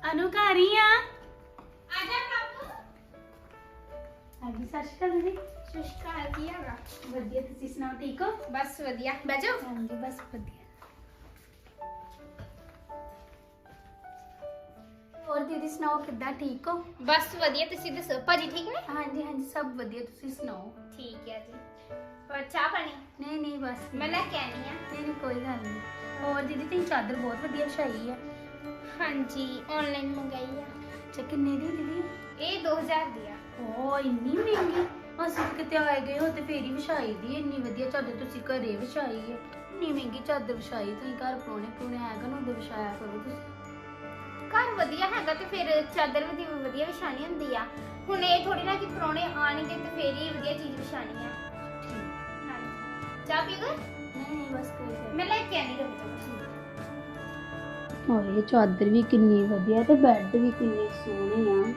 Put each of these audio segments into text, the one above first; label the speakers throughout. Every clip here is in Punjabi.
Speaker 1: ਅਨੂ ਘਰ ਹੀ ਆ ਜਾ ਪ੍ਰਭੂ। ਹਾਂਜੀ ਸਤਿ ਸ਼੍ਰੀ ਅਕਾਲ ਦੀਦੀ।
Speaker 2: ਸਤਿ ਸ਼੍ਰੀ ਅਕਾਲ, ਕੀ ਹਾਲ ਆ?
Speaker 1: ਵਧੀਆ, ਤੁਸੀਂ ਸੁਣਾਓ ਠੀਕ ਹੋ?
Speaker 2: ਬਸ ਵਧੀਆ, ਬਹਿ ਜਾਓ।
Speaker 1: ਹਾਂਜੀ ਬਸ ਵਧੀਆ। ਹੋਰ ਦੀਦੀ ਸੁਣਾਓ ਕਿੱਦਾਂ, ਠੀਕ ਹੋ?
Speaker 2: ਬਸ ਵਧੀਆ, ਤੁਸੀਂ ਦੱਸੋ ਭਾਜੀ ਠੀਕ ਨੇ?
Speaker 1: ਹਾਂਜੀ ਹਾਂਜੀ ਸਭ ਵਧੀਆ, ਤੁਸੀਂ ਸੁਣਾਓ?
Speaker 2: ਠੀਕ ਹੈ ਜੀ। ਹੋਰ ਚਾਹ ਪਾਣੀ?
Speaker 1: ਨਹੀਂ ਨਹੀਂ ਬਸ
Speaker 2: ਮੈਂ ਲੈ ਕੇ ਆਣੀ ਆ।
Speaker 1: ਨਹੀਂ ਨਹੀਂ ਕੋਈ ਗੱਲ ਨਹੀਂ। ਹੋਰ ਦੀਦੀ ਤੁਸੀਂ ਚਾਦਰ ਬਹੁਤ ਵਧੀਆ ਵਿਛਾਈ ਆ।
Speaker 2: ਹਾਂਜੀ ਆਨਲਾਈਨ ਮੰਗਾਈ ਆ।
Speaker 1: ਅੱਛਾ ਕਿੰਨੇ ਦੀ ਦੀਦੀ?
Speaker 2: ਇਹ 2000 ਦੀ ਆ।
Speaker 1: ਓ ਇੰਨੀ ਮਹਿੰਗੀ। ਅਸੀਂ ਕਿਤੇ ਆਏ ਗਏ ਹੋ ਤੇ ਫੇਰ ਹੀ ਵਿਛਾਈ ਦੀ ਇੰਨੀ ਵਧੀਆ ਚਾਦਰ ਤੁਸੀਂ ਘਰੇ ਵਿਛਾਈ ਹੈ। ਇੰਨੀ ਮਹਿੰਗੀ ਚਾਦਰ ਵਿਛਾਈ ਤੁਸੀਂ ਘਰ ਪਾਉਣੇ ਆਏਗਾ ਨਾ ਉਦੋਂ ਵਿਛਾਇਆ ਕਰੋ ਤੁਸੀਂ।
Speaker 2: ਘਰ ਵਧੀਆ ਹੈਗਾ ਤੇ ਫਿਰ ਚਾਦਰ ਵੀ ਵਧੀਆ ਵਿਛਾਣੀ ਹੁੰਦੀ ਆ। ਹੁਣ ਇਹ ਥੋੜੀ ਨਾ ਕਿ ਪ੍ਰਾਹੁਣੇ ਆਣਗੇ ਤੇ ਫੇਰ ਹੀ ਵਧੀਆ ਚੀਜ਼ ਵਿਛਾਣੀ ਆ। ਹਾਂਜੀ ਚਾਹ ਪੀਓਗੇ?
Speaker 1: ਨਹੀਂ ਨਹੀਂ ਬਸ ਕੋਈ ਗੱਲ
Speaker 2: ਮੈਂ ਲੈ ਕੇ ਆਣੀ ਰੁਕ ਜਾਓ।
Speaker 1: ਓਏ ਚਾਦਰ ਵੀ ਕਿੰਨੀ ਵਧੀਆ ਤੇ ਬੈੱਡ ਵੀ ਕਿੰਨੇ ਸੋਹਣੇ ਆ।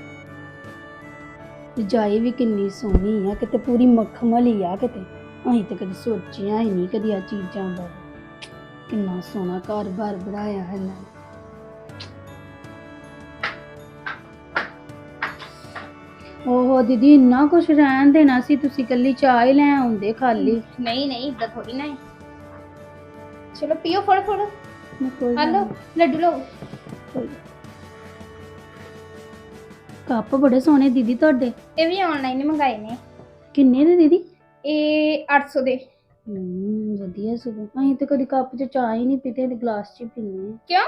Speaker 1: ਰਜਾਈ ਵੀ ਕਿੰਨੀ ਸੋਹਣੀ ਆ, ਕਿਤੇ ਪੂਰੀ ਮਖਮਲ ਹੀ ਆ ਕਿਤੇ। ਅਸੀਂ ਤਾਂ ਕਦੇ ਸੋਚਿਆ ਹੀ ਨਹੀਂ ਕਦੀ ਆ ਚੀਜ਼ਾਂ ਬਾਰੇ। ਕਿੰਨਾ ਸੋਹਣਾ ਘਰ-ਬਾਰ ਬਣਾਇਆ ਹੈ ਨਾ। ਓਹੋ ਦੀਦੀ ਇੰਨਾ ਕੁਛ ਰਹਿਣ ਦੇਣਾ ਸੀ, ਤੁਸੀਂ ਕੱਲੀ ਚਾਹ ਹੀ ਲੈ ਆਉਂਦੇ ਖਾਲੀ।
Speaker 2: ਨਹੀਂ ਨਹੀਂ ਇਦਾਂ ਥੋੜੀ ਨਾ ਹੈ। ਚਲੋ ਪੀਓ, ਫੜੋ ਫੜੋ।
Speaker 1: ਕੋਈ ਗੱਲ
Speaker 2: ਹਲੋ
Speaker 1: ਨੀ।
Speaker 2: ਲੱਡੂ ਲਓ।
Speaker 1: ਕੋਈ ਕੱਪ ਬੜੇ ਸੋਹਣੇ ਦੀਦੀ ਤੁਹਾਡੇ।
Speaker 2: ਇਹ ਵੀ ਆਨਲਾਈਨ ਹੀ ਮੰਗਾਏ ਨੇ।
Speaker 1: ਕਿੰਨੇ ਦੇ ਦੀਦੀ?
Speaker 2: ਇਹ 800 ਦੇ।
Speaker 1: ਵਧੀਆ ਸਗੋਂ। ਅਸੀਂ ਤਾਂ ਕਦੀ ਕੱਪ 'ਚ ਚਾਹ ਹੀ ਨਹੀਂ ਪੀਤੇ, ਗਲਾਸ 'ਚ ਹੀ ਪੀਂਦੇ ਹਾਂ।
Speaker 2: ਕਿਉਂ?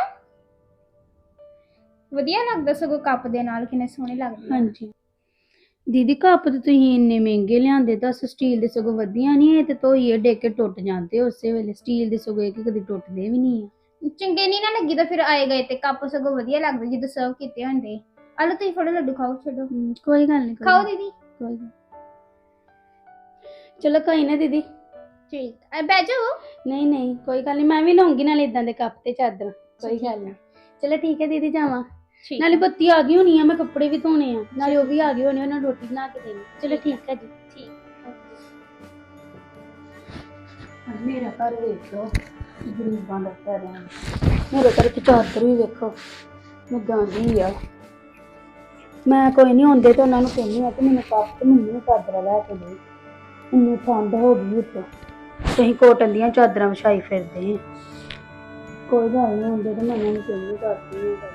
Speaker 2: ਵਧੀਆ ਲੱਗਦਾ ਸਗੋਂ ਕੱਪ ਦੇ ਨਾਲ, ਕਿੰਨੇ ਸੋਹਣੇ ਲੱਗਦੇ ਆ।
Speaker 1: ਹਾਂਜੀ ਦੀਦੀ ਕੱਪ ਤੇ ਤੁਸੀਂ ਇੰਨੇ ਮਹਿੰਗੇ ਲਿਆਂਦੇ, ਦੱਸ ਸਟੀਲ ਦੇ ਸਗੋਂ ਵਧੀਆ ਨਹੀਂ। ਇਹ ਤੇ ਧੋਈਏ ਡੇ ਕੇ ਟੁੱਟ ਜਾਂਦੇ ਉਸੇ ਵੇਲੇ। ਸਟੀਲ ਦੇ ਸਗੋਂ ਇਹ ਕਦੀ ਟੁੱਟਦੇ ਵੀ ਨਹੀਂ ਆ।
Speaker 2: ਚੰਗੇ ਨਹੀਂ ਨਾ ਲੱਗੀ ਤਾਂ ਫਿਰ ਆਏ ਗਏ ਤੇ ਕੱਪ ਸਗੋਂ ਵਧੀਆ ਲੱਗਦੇ ਜਦੋਂ ਸਰਵ ਕੀਤੇ ਹੁੰਦੇ। ਆਲੋ ਤੁਸੀਂ ਫੜੋ ਲੱਡੂ ਖਾਓ, ਛੱਡੋ।
Speaker 1: ਕੋਈ ਗੱਲ ਨਹੀਂ
Speaker 2: ਖਾਓ ਦੀਦੀ।
Speaker 1: ਕੋਈ ਗੱਲ। ਚਲੋ ਕੋਈ ਨਾ ਦੀਦੀ।
Speaker 2: ਠੀਕ ਹੈ ਬਹਿ ਜਾਓ।
Speaker 1: ਨਹੀਂ ਨਹੀਂ ਕੋਈ ਗੱਲ ਨਹੀਂ, ਮੈਂ ਵੀ ਲਾਉਂਗੀ ਨਾਲੇ ਇਦਾਂ ਦੇ ਕੱਪ ਤੇ ਚਾਦਰ। ਕੋਈ
Speaker 2: ਠੀਕ
Speaker 1: ਗੱਲ ਨਹੀਂ। ਚਲੋ ਠੀਕ ਹੈ ਦੀਦੀ, ਜਾਵਾਂ।
Speaker 2: ਠੀਕ
Speaker 1: ਨਾਲੇ ਬੱਤੀ ਆ ਗਈ ਹੋਣੀ ਆ, ਮੈਂ ਕੱਪੜੇ ਵੀ ਧੋਣੇ ਆ, ਨਾਲੇ ਉਹ ਵੀ ਆ ਗਏ ਹੋਣੇ, ਉਹਨਾਂ ਨੂੰ ਰੋਟੀ ਬਣਾ ਕੇ ਦੇਣੀ। ਚਲੋ ਠੀਕ ਹੈ ਜੀ।
Speaker 2: ਠੀਕ।
Speaker 1: ਮੇਰਾ ਘਰ ਵੇਖੋ ਗਰੀਬਾਂ ਦਾ ਘਰ ਹੈ। ਮੇਰੇ ਘਰ ਤੇ ਚਾਦਰ ਵੀ ਵੇਖੋ ਮੁੱਦਾਂ ਦੀ ਆ। ਮੈਂ ਕੋਈ ਨਹੀਂ ਹੁੰਦੇ ਤੇ ਉਹਨਾਂ ਨੂੰ ਕਹਿੰਦੀ ਆ ਕਿ ਮੈਨੂੰ ਕੱਪ ਤੇ ਮੈਨੂੰ ਚਾਦਰਾਂ ਲੈ ਕੇ ਦੇ। ਇੰਨੀ ਠੰਡ ਹੋ ਗਈ ਉੱਤੇ, ਅਸੀਂ ਕੋਟਨ ਦੀਆਂ ਚਾਦਰਾਂ ਵਿਛਾਈ ਫਿਰਦੇ ਆ। ਕੋਈ ਗੱਲ ਨਹੀਂ ਹੁੰਦੇ ਤੇ ਮੈਂ ਉਹਨਾਂ ਨੂੰ ਕਹਿੰਦੀ ਕਰਦੀ ਹਾਂ।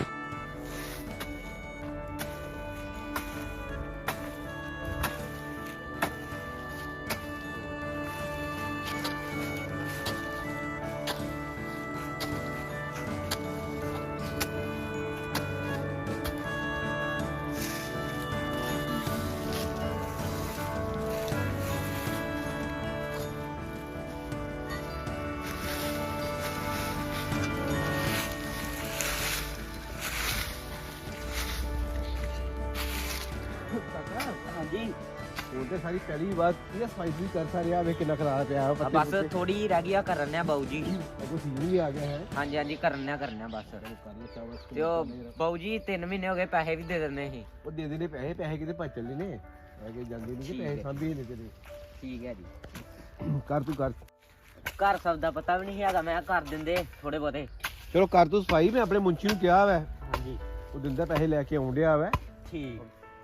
Speaker 3: ਹਾਂਜੀ
Speaker 4: ਹੁਣ ਤੇ ਸਾਰੀ ਪਹਿਲੀ ਵਾਰ ਇਹ ਸਫਾਈ ਵੀ ਕਰ ਰਿਹਾ ਵੇ ਕਿੰਨਾ ਖਰਾਬ ਪਿਆ ਵਾ
Speaker 3: ਬਸ ਥੋੜੀ ਜਿਹੀ ਰਹਿ ਗਈ ਆ ਕਰਨ ਆ ਬਾਊ ਜੀ।
Speaker 4: ਕੋਈ ਸੀਜ਼ਨ ਵੀ ਆ ਗਿਆ ਹੈ।
Speaker 3: ਹਾਂਜੀ ਹਾਂਜੀ ਕਰਨ ਆ ਬਸ।
Speaker 4: ਕਰ ਲੋ ਚਾਵਸ
Speaker 3: ਤੇ ਉਹ ਬਾਊ ਜੀ 3 ਮਹੀਨੇ ਹੋ ਗਏ, ਪੈਸੇ ਵੀ ਦੇ ਦਿੰਦੇ ਸੀ।
Speaker 4: ਉਹ ਦੇ ਦੇਣੇ ਪੈਸੇ ਕਿਤੇ ਭੱਜ ਚੱਲੇ ਨੇ ਹੈਗੇ ਜਾਂਦੇ ਨਹੀਂ ਕਿ ਪੈਸੇ ਸਾਂਭੀ ਨੇ ਤੇਰੇ।
Speaker 3: ਠੀਕ ਹੈ ਜੀ।
Speaker 4: ਕਰ ਤੂੰ ਕਰ।
Speaker 3: ਘਰ ਸਭ ਦਾ ਪਤਾ ਵੀ ਨਹੀਂ ਹੈਗਾ, ਮੈਂ ਕਰ ਦਿੰਦੇ ਥੋੜੇ ਬਹੁਤੇ।
Speaker 4: ਚਲੋ ਕਰ ਤੂੰ ਸਫਾਈ। ਮੈਂ ਆਪਣੇ ਮੁੰਚੀ ਨੂੰ ਕਿਹਾ ਵਾ,
Speaker 3: ਹਾਂਜੀ
Speaker 4: ਉਹ ਦਿੰਦਾ ਪੈਸੇ ਲੈ ਕੇ ਆਉਣ ਡਿਆ ਵਾ।
Speaker 3: ਠੀਕ।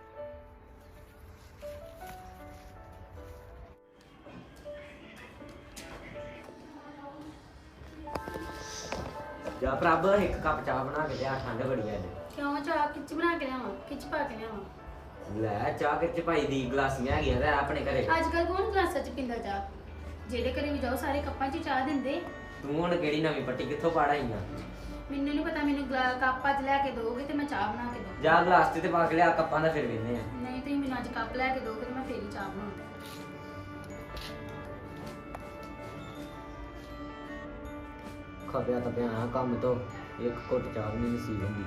Speaker 3: ਜਾ ਪ੍ਰਭ ਇੱਕ ਕੱਪ ਚਾਹ ਬਣਾ ਕੇ ਲਿਆ, ਠੰਡ ਬੜੀ ਹੈ ਅੱਜ।
Speaker 1: ਕਿਉਂ ਚਾਹ ਕਿੱਚ ਬਣਾ ਕੇ ਲਿਆਵਾਂ, ਕਿੱਚ ਪਾ ਕੇ ਲਿਆਵਾਂ?
Speaker 3: ਲੈ ਚਾਹ ਕਿੱਚ ਭਾਈ ਦੀ ਗਲਾਸੀਆਂ ਹੈਗੀਆਂ ਤੇ ਆਪਣੇ ਘਰੇ।
Speaker 1: ਅੱਜ ਕੱਲ ਕੌਣ ਗਲਾਸਾਂ 'ਚ ਪੀਂਦਾ ਚਾਹ? ਜਿਹੜੇ ਘਰੇ ਵੀ ਜਾਓ ਸਾਰੇ ਕੱਪਾਂ 'ਚ ਚਾਹ ਦਿੰਦੇ।
Speaker 3: ਤੂੰ ਹੁਣ ਕਿਹੜੀ ਨਵੀਂ ਪੱਟੀ ਕਿੱਥੋਂ ਪਾੜਾਈ ਆ?
Speaker 1: ਮੈਨੂੰ ਨਹੀਂ ਪਤਾ, ਮੈਨੂੰ ਕੱਪ ਅੱਜ ਲੈ ਕੇ ਦੋਗੇ ਤੇ ਮੈਂ ਚਾਹ ਬਣਾ ਕੇ ਦਊਂਗੀ।
Speaker 3: ਜਾ ਗਲਾਸ ਤੇ ਪਾ ਕੇ ਲਿਆ, ਕੱਪਾਂ ਦਾ ਫਿਰ ਵੇਖਦੇ ਆ।
Speaker 1: ਨਹੀਂ ਤੁਸੀਂ ਮੈਨੂੰ ਅੱਜ ਕੱਪ ਲੈ ਕੇ ਦੋਗੇ ਤੇ ਮੈਂ ਫੇਰ ਹੀ ਚਾਹ ਬਣਾਉਂਗੀ।
Speaker 3: ਖਪਿਆ ਤਾਂ ਪਿਆ ਕੰਮ ਤੋਂ, ਇੱਕ ਘੁੱਟ ਚਾਹ ਵੀ ਨਹੀਂ ਨਸੀਬ ਹੁੰਦੀ।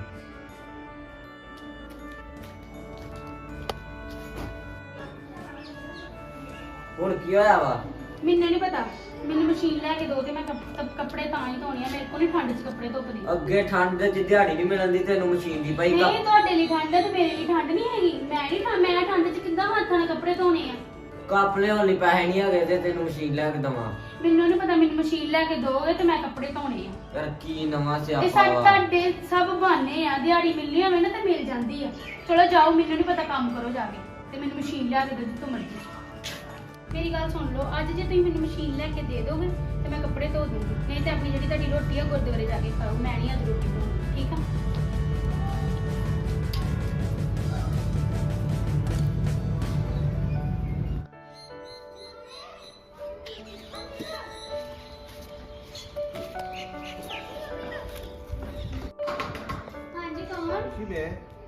Speaker 3: ਹੁਣ ਕੀ ਹੋਇਆ ਵਾ?
Speaker 1: ਮੈਨੂੰ ਨਹੀਂ ਪਤਾ, ਮੈਨੂੰ ਮਸ਼ੀਨ ਲੈ ਕੇ ਦੋ ਤੇ ਮੈਂ ਕੱਪੜੇ ਤਾਂ ਹੀ ਧੋਣੇ ਆ। ਮੇਰੇ ਕੋਲ ਨਹੀਂ ਠੰਡ 'ਚ ਕੱਪੜੇ ਧੁੱਪਦੇ।
Speaker 3: ਅੱਗੇ ਠੰਡ 'ਚ ਦਿਹਾੜੀ ਨਹੀਂ ਮਿਲਦੀ ਤੈਨੂੰ ਮਸ਼ੀਨ ਦੀ ਭਾਈ।
Speaker 1: ਨਹੀਂ ਤੁਹਾਡੇ ਲਈ ਠੰਡ ਹੈ ਤੇ ਮੇਰੇ ਲਈ ਠੰਡ ਨਹੀਂ ਹੈਗੀ। ਮੈਂ ਠੰਡ 'ਚ ਕਿੱਦਾਂ ਹੱਥਾਂ ਨਾਲ ਕੱਪੜੇ ਧੋਣੇ ਆ?
Speaker 3: ਕੱਪ ਲਿਆਉਣ ਲਈ ਪੈਸੇ ਨਹੀਂ ਹੈਗੇ ਤੇ ਤੈਨੂੰ ਮਸ਼ੀਨ ਲੈ ਕੇ ਦਵਾਂ?
Speaker 1: ਮੈਨੂੰ ਨਹੀਂ ਪਤਾ, ਮੈਨੂੰ ਮਸ਼ੀਨ ਲੈ ਕੇ ਦੋਗੇ ਤੇ ਮੈਂ ਕੱਪੜੇ ਧੋਣੇ ਆ।
Speaker 3: ਯਾਰ ਕੀ ਨਵਾਂ
Speaker 1: ਇਹ
Speaker 3: ਸਿਆਪਾ
Speaker 1: ਸਾਡੇ
Speaker 3: ਵਾ।
Speaker 1: ਤੁਹਾਡੇ ਸਭ ਬਹਾਨੇ ਆ, ਦਿਹਾੜੀ ਮਿਲਣੀ ਹੋਵੇ ਨਾ ਤੇ ਮਿਲ ਜਾਂਦੀ ਆ। ਚਲੋ ਜਾਓ, ਮੈਨੂੰ ਨਹੀਂ ਪਤਾ, ਕੰਮ ਕਰੋ ਜਾ ਕੇ ਤੇ ਮੈਨੂੰ ਮਸ਼ੀਨ ਲਿਆ ਕੇ ਦਿਓ ਜਿੱਥੋਂ ਮਰਜ਼ੀ। ਮੇਰੀ ਗੱਲ ਸੁਣ ਲਓ, ਅੱਜ ਜੇ ਤੁਸੀਂ ਮੈਨੂੰ ਮਸ਼ੀਨ ਲੈ ਕੇ ਦੇ ਦੋਗੇ ਤੇ ਮੈਂ ਕੱਪੜੇ ਧੋ ਦੂੰਗੀ, ਨਹੀਂ ਤੇ ਆਪਣੀ ਜਿਹੜੀ ਤੁਹਾਡੀ ਰੋਟੀ ਆ ਗੁਰਦੁਆਰੇ ਜਾ ਕੇ ਖਾਓ, ਮੈਂ ਨਹੀਂ ਅੱਜ ਰੋਟੀ ਖਾਣੀ, ਠੀਕ ਆ? ਹਾਂਜੀ ਕੌਣ?
Speaker 4: ਕੀ ਮੈਂ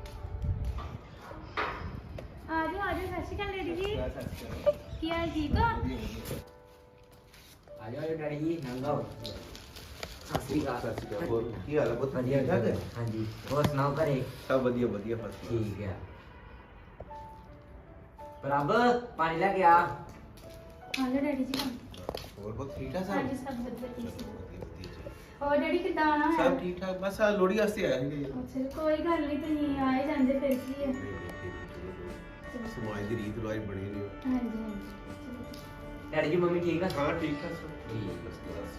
Speaker 1: ਆ ਜਾਓ ਸਤਿ ਸ਼੍ਰੀ ਅਕਾਲ ਡੈਡੀ ਜੀ। ਕੀ ਹਾਲ, ਠੀਕ ਹੋ?
Speaker 3: ਆ ਜਾਓ ਡੈਡੀ ਜੀ ਨੰਗਾਓ ਸਤਿ ਸ਼੍ਰੀ ਅਕਾਲ
Speaker 4: ਹੋਰ ਕੀ ਹਾਲ ਹੈ ਪੁੱਤ?
Speaker 3: ਵਧੀਆ
Speaker 4: ਠੀਕ ਠਾਕ ਹੈ?
Speaker 3: ਹਾਂਜੀ ਹੋਰ ਸੁਣਾਓ ਘਰੇ
Speaker 4: ਸਭ ਵਧੀਆ ਵਧੀਆ ਫਸਟ
Speaker 3: ਠੀਕ ਹੈ ਪ੍ਰਭ ਪਾਣੀ ਲੈ ਕੇ ਆ
Speaker 1: ਹਾਂ ਲੋ ਡੈਡੀ ਜੀ।
Speaker 4: ਹੋਰ ਬਹੁਤ ਠੀਕ ਠਾਕ
Speaker 1: ਹਾਂਜੀ
Speaker 4: ਸਭ?
Speaker 1: ਸਭ ਵਧੀਆ, ਠੀਕ ਸੀ।
Speaker 4: ਵਧੀਆ, ਵਧੀਆ।
Speaker 1: ਹੋਰ ਡੈਡੀ ਕਿੱਦਾਂ ਆਣਾ ਹੈ?
Speaker 4: ਸਭ ਠੀਕ ਠਾਕ, ਬਸ ਆ ਲੋੜੀ ਵਾਸਤੇ ਆਇਆ ਸੀ
Speaker 1: ਅੱਛਾ ਕੋਈ ਗੱਲ ਨਹੀਂ, ਤੁਸੀਂ ਆਏ ਜਾਂਦੇ ਫਿਰ ਕੀ ਹੈ।
Speaker 4: ਸਮਾਜ ਦੀ ਰੀਤ ਰਿਵਾਜ ਬਣੇ ਨੇ।
Speaker 1: ਹਾਂਜੀ ਹਾਂਜੀ
Speaker 3: ਡੈਡੀ ਜੀ ਮੰਮੀ ਠੀਕ ਆ
Speaker 4: ਹਾਂ ਠੀਕ ਠਾਕ ਸਭ
Speaker 3: ਠੀਕ।
Speaker 4: ਬਸ ਬਸ।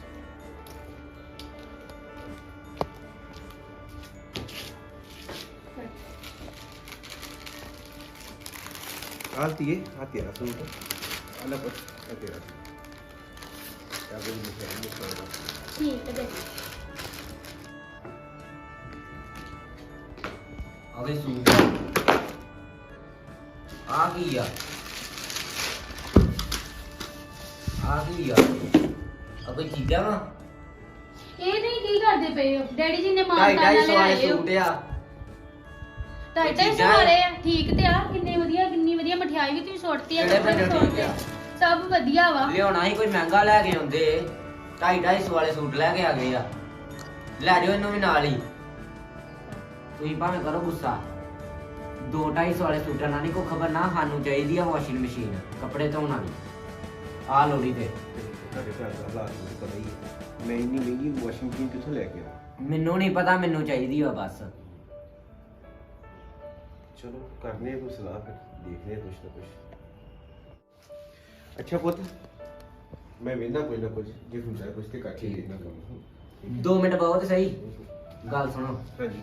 Speaker 4: ਆਲਤੀ ਹੈ ਆ ਤੇਰਾ ਸੂਟ ਅਲੱਗ ਆ ਤੇਰਾ क्या बोल रहे
Speaker 1: ਠੀਕ ਹੈ ਡੈਡੀ।
Speaker 3: ਅਵੇ ਸੂਟ ਆ ਗਈ ਆ ਕੋਈ ਚੀਜ਼ਾਂ ਵਾ
Speaker 1: ਇਹ ਨਹੀਂ ਕੀ ਕਰਦੇ ਪਏ ਹੋ? ਡੈਡੀ ਜੀ ਨੇ ਮਾਨ
Speaker 3: ਢਾਈ
Speaker 1: ਤਾਨਾ
Speaker 3: ਢਾਈ ਸੌ ਵਾਲੇ
Speaker 1: ਲਿਆਏ ਹੋ।
Speaker 3: ਸੂਟ ਆ
Speaker 1: ਢਾਈ ਢਾਈ ਸੌ
Speaker 3: ਚੀਜ਼ਾਂ
Speaker 1: ਵਾਲੇ ਆ, ਠੀਕ ਤੇ ਆ। ਕਿੰਨੀ ਵਧੀਆ ਮਠਿਆਈ ਵੀ ਤੁਸੀਂ ਸੁੱਟਤੀ ਆ,
Speaker 3: ਕਿਹੜੇ
Speaker 1: ਕੱਪੜੇ ਵੀ
Speaker 3: ਬੰਦੇ
Speaker 1: ਸੁੱਟਤੇ
Speaker 3: ਠੀਕ
Speaker 1: ਆ।
Speaker 3: ਆ?
Speaker 1: ਸਭ ਵਧੀਆ ਵਾ।
Speaker 3: ਲਿਆਉਣਾ ਹੀ ਕੋਈ ਮਹਿੰਗਾ ਲੈ ਕੇ ਆਉਂਦੇ 250 ਵਾਲੇ ਸੂਟ ਲੈ ਕੇ ਆ ਗਏ ਆ ਲੈ ਜਾਓ ਇਹਨੂੰ ਵੀ ਨਾਲ ਹੀ ਤੁਸੀਂ ਭਾਵੇਂ ਕਰੋ ਗੁੱਸਾ 2-250 ਵਾਲੇ ਸੂਟਾਂ ਨਾਲ ਨਹੀਂ ਕੋਈ ਖਬਰ ਨਾ ਸਾਨੂੰ ਚਾਹੀਦੀ ਆ ਵਾਸ਼ਿੰਗ ਮਸ਼ੀਨ ਕੱਪੜੇ ਧੋਣ ਵਾਲੀ ਆ ਲੋੜੀ ਤੇ
Speaker 4: ਤੁਹਾਡੇ ਘਰ ਦਾ ਹਾਲਾਤ ਮੈਨੂੰ ਪਤਾ ਹੀ ਹੈ ਮੈਂ ਇੰਨੀ ਮਹਿੰਗੀ ਵਾਸ਼ਿੰਗ ਮਸ਼ੀਨ ਕਿੱਥੋਂ ਲੈ ਕੇ ਆਵਾਂ
Speaker 3: ਮੈਨੂੰ ਨਹੀਂ ਪਤਾ ਮੈਨੂੰ ਚਾਹੀਦੀ ਆ ਬਸ
Speaker 4: ਚਲੋ ਕਰਨੇ ਆ ਕੋਈ ਸਲਾਹ ਫਿਰ ਦੇਖਦੇ ਆ ਕੁਛ ਨਾ ਕੁਛ ਅੱਛਾ ਪੁੱਤ ਮੈਂ ਵੇਖਦਾ ਕੋਈ ਨਾ ਕੁਝ ਜੇ ਹੁੰਦਾ ਕੁਝ ਤੇ ਕੱਟ ਹੀ ਦੇਣਾ ਕੰਮ
Speaker 3: 2 ਮਿੰਟ ਬਹੁਤ ਸਹੀ ਗੱਲ ਸੁਣੋ
Speaker 4: ਹਾਂਜੀ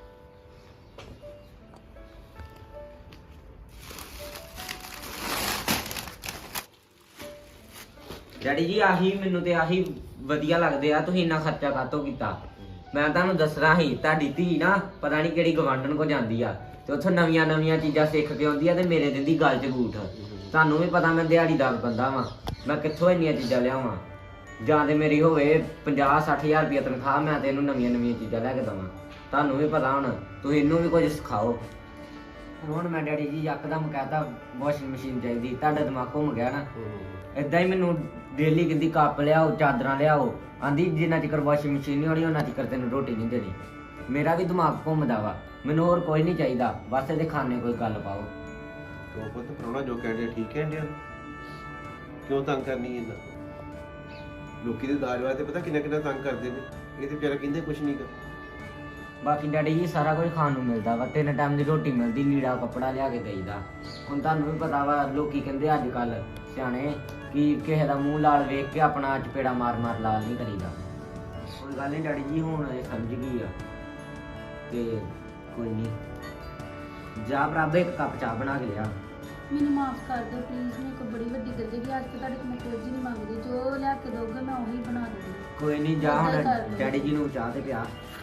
Speaker 3: ਡੈਡੀ ਜੀ ਆਹੀ ਮੈਨੂੰ ਤੇ ਆਹੀ ਵਧੀਆ ਲੱਗਦੇ ਆ ਤੁਸੀਂ ਇੰਨਾ ਖਰਚਾ ਕਾਤੋਂ ਕੀਤਾ ਮੈਂ ਤੁਹਾਨੂੰ ਦੱਸਣਾ ਸੀ ਤੁਹਾਡੀ ਧੀ ਨਾ ਪਤਾ ਨਹੀਂ ਕਿਹੜੀ ਗਵਾਂਢਣ ਕੋ ਜਾਂਦੀ ਆ ਤੇ ਉੱਥੋਂ ਨਵੀਆਂ ਚੀਜ਼ਾਂ ਸਿੱਖ ਕੇ ਆਉਂਦੀ ਆ ਤੇ ਮੇਰੇ ਦਿੰਦੀ ਗੱਲ 'ਚ ਗੂਠ ਤੁਹਾਨੂੰ ਵੀ ਪਤਾ ਮੈਂ ਦਿਹਾੜੀਦਾਰ ਬੰਦਾ ਵਾਂ ਮੈਂ ਕਿੱਥੋਂ ਇੰਨੀਆਂ ਚੀਜ਼ਾਂ ਲਿਆਵਾਂ ਜਾਂ ਤੇ ਮੇਰੀ ਹੋਵੇ 50-60 ਹਜ਼ਾਰ ਰੁਪਏ ਤਨਖਾਹ ਮੈਂ ਤੇ ਇਹਨੂੰ ਨਵੀਆਂ ਚੀਜ਼ਾਂ ਲੈ ਕੇ ਦਵਾਂ ਤੁਹਾਨੂੰ ਵੀ ਪਤਾ ਹੁਣ ਤੁਸੀਂ ਇਹਨੂੰ ਵੀ ਕੁਝ ਸਿਖਾਓ ਹੁਣ ਮੈਂ ਡੈਡੀ ਜੀ ਯਕਦਮ ਕਹਤਾ ਵਾਸ਼ਿੰਗ ਮਸ਼ੀਨ ਚਾਹੀਦੀ ਤੁਹਾਡਾ ਦਿਮਾਗ ਘੁੰਮ ਗਿਆ ਨਾ ਇਦਾਂ ਹੀ ਮੈਨੂੰ ਡੇਲੀ ਕਹਿੰਦੀ ਕੱਪ ਲਿਆਓ ਚਾਦਰਾਂ ਲਿਆਓ ਆਂਦੀ ਜਿੰਨਾ ਚਿਰ ਵਾਸ਼ਿੰਗ ਮਸ਼ੀਨ ਨਹੀਂ ਹੋਣੀ ਉਹਨਾਂ ਚਿਰ ਤੈਨੂੰ ਰੋਟੀ ਨਹੀਂ ਦੇਣੀ ਮੇਰਾ ਵੀ ਦਿਮਾਗ ਘੁੰਮਦਾ ਵਾ ਮੈਨੂੰ ਹੋਰ ਕੋਈ ਨਹੀਂ ਚਾਹੀਦਾ ਬਸ ਇਹਦੇ ਖਾਣੇ ਕੋਈ ਗੱਲ ਪਾਓ
Speaker 4: ਤੋ ਪੁੱਤ ਪ੍ਰਾਹੁਣਾ ਜੋ ਕਹਿੰਦੇ ਠੀਕ ਕਹਿੰਦੇ ਕਿਉਂ ਤੰਗ ਕਰਨੀ ਇਹਨਾਂ ਲੋਕੀ ਦੇ ਦਾਜ ਵਾਲੇ ਤੇ ਪਤਾ ਕਿੰਨਾ ਤੰਗ ਕਰਦੇ ਨੇ ਇਹ ਤੇ ਵਿਚਾਰਾ ਕਹਿੰਦੇ ਕੁਛ ਨਹੀਂ ਕਰ
Speaker 3: ਬਾਕੀ ਡੈਡੀ ਜੀ ਸਾਰਾ ਕੁਝ ਖਾਣ ਨੂੰ ਮਿਲਦਾ ਵਾ 3 ਟਾਈਮ ਦੀ ਰੋਟੀ ਮਿਲਦੀ ਲੀੜਾ ਕੱਪੜਾ ਲਿਆ ਕੇ ਦੇਈਦਾ ਹੁਣ ਤੁਹਾਨੂੰ ਵੀ ਪਤਾ ਵਾ ਲੋਕੀ ਕਹਿੰਦੇ ਅੱਜ ਕੱਲ ਸਿਆਣੇ ਕਿ ਕਿਸੇ ਦਾ ਮੂੰਹ ਲਾਲ ਵੇਖ ਕੇ ਆਪਣਾ ਚਪੇੜਾ ਮਾਰ ਲਾਲ ਨਹੀਂ ਕਰੀਦਾ ਕੋਈ ਗੱਲ ਨਹੀਂ ਡੈਡੀ ਜੀ ਹੁਣ ਇਹ ਸਮਝ ਗਈ ਆ ਤੇ ਕੋਈ ਨਹੀਂ ਜਾ ਬਰਾਬਰ ਇੱਕ ਕੱਪ ਚਾਹ ਬਣਾ ਕੇ ਲਿਆ
Speaker 1: ਮੈਨੂੰ ਮਾਫ ਕਰ ਦਿਓ ਪਲੀਜ਼। ਮੈਂ ਕੋਈ ਬੜੀ ਵੱਡੀ ਗਲਤੀ ਦੀ ਅੱਜ ਤੋਂ ਤੁਹਾਡੇ ਤੋਂ ਮੈਂ ਕੁਝ ਨਹੀਂ ਮੰਗਦੀ, ਜੋ ਲਿਆ ਕੇ ਦੋਗੇ ਮੈਂ ਉਹੀ ਬਣਾ ਦੂੰਗੀ।
Speaker 3: ਕੋਈ ਨਹੀਂ ਜਾ
Speaker 1: ਏਦਾਂ ਕਰ
Speaker 3: ਹੁਣ
Speaker 1: ਲਓ।
Speaker 3: ਡੈਡੀ ਜੀ ਨੂੰ ਚਾਹ ਤੇ ਪਿਆ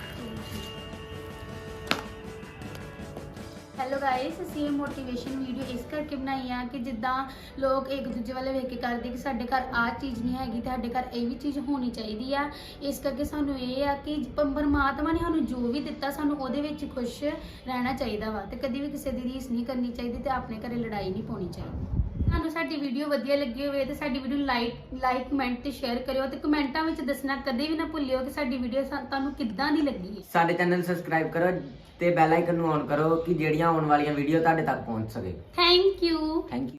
Speaker 1: ਹੈਲੋ ਗਾਇਸ, ਅਸੀਂ ਇਹ ਮੋਟੀਵੇਸ਼ਨ ਵੀਡੀਓ ਇਸ ਕਰਕੇ ਬਣਾਈ ਆ ਕਿ ਜਿੱਦਾਂ ਲੋਕ ਇੱਕ ਦੂਜੇ ਵੱਲ ਵੇਖ ਕੇ ਕਰਦੇ ਕਿ ਸਾਡੇ ਘਰ ਆਹ ਚੀਜ਼ ਨਹੀਂ ਹੈਗੀ ਤੇ ਸਾਡੇ ਘਰ ਇਹ ਵੀ ਚੀਜ਼ ਹੋਣੀ ਚਾਹੀਦੀ ਆ। ਇਸ ਕਰਕੇ ਸਾਨੂੰ ਇਹ ਆ ਕਿ ਪਰਮਾਤਮਾ ਨੇ ਸਾਨੂੰ ਜੋ ਵੀ ਦਿੱਤਾ ਸਾਨੂੰ ਉਹਦੇ ਵਿੱਚ ਖੁਸ਼ ਰਹਿਣਾ ਚਾਹੀਦਾ ਵਾ ਤੇ ਕਦੀ ਵੀ ਕਿਸੇ ਦੀ ਰੀਸ ਨਹੀਂ ਕਰਨੀ ਚਾਹੀਦੀ ਤੇ ਆਪਣੇ ਘਰੇ ਲੜਾਈ ਨਹੀਂ ਪਾਉਣੀ ਚਾਹੀਦੀ। ਤੁਹਾਨੂੰ ਸਾਡੀ ਵੀਡੀਓ ਵਧੀਆ ਲੱਗੀ ਹੋਵੇ ਤੇ ਸਾਡੀ ਵੀਡੀਓ ਲਾਈਕ ਕਮੈਂਟ ਤੇ ਸ਼ੇਅਰ ਕਰਿਓ ਤੇ ਕਮੈਂਟਾਂ ਵਿੱਚ ਦੱਸਣਾ ਕਦੇ ਵੀ ਨਾ ਭੁੱਲਿਓ ਕਿ ਸਾਡੀ ਵੀਡੀਓ ਤੁਹਾਨੂੰ ਕਿੱਦਾਂ ਦੀ ਲੱਗੀ ਹੈ।
Speaker 3: ਸਾਡੇ ਚੈਨਲ ਸਬਸਕ੍ਰਾਈਬ ਕਰੋ ਤੇ ਬੈਲ ਆਈਕਨ ਨੂੰ ਔਨ ਕਰੋ ਕਿ ਜਿਹੜੀਆਂ ਆਉਣ ਵਾਲੀਆਂ ਵੀਡੀਓ ਤੁਹਾਡੇ ਤੱਕ ਪਹੁੰਚ ਸਕੇ।
Speaker 1: Thank you.
Speaker 3: Thank you.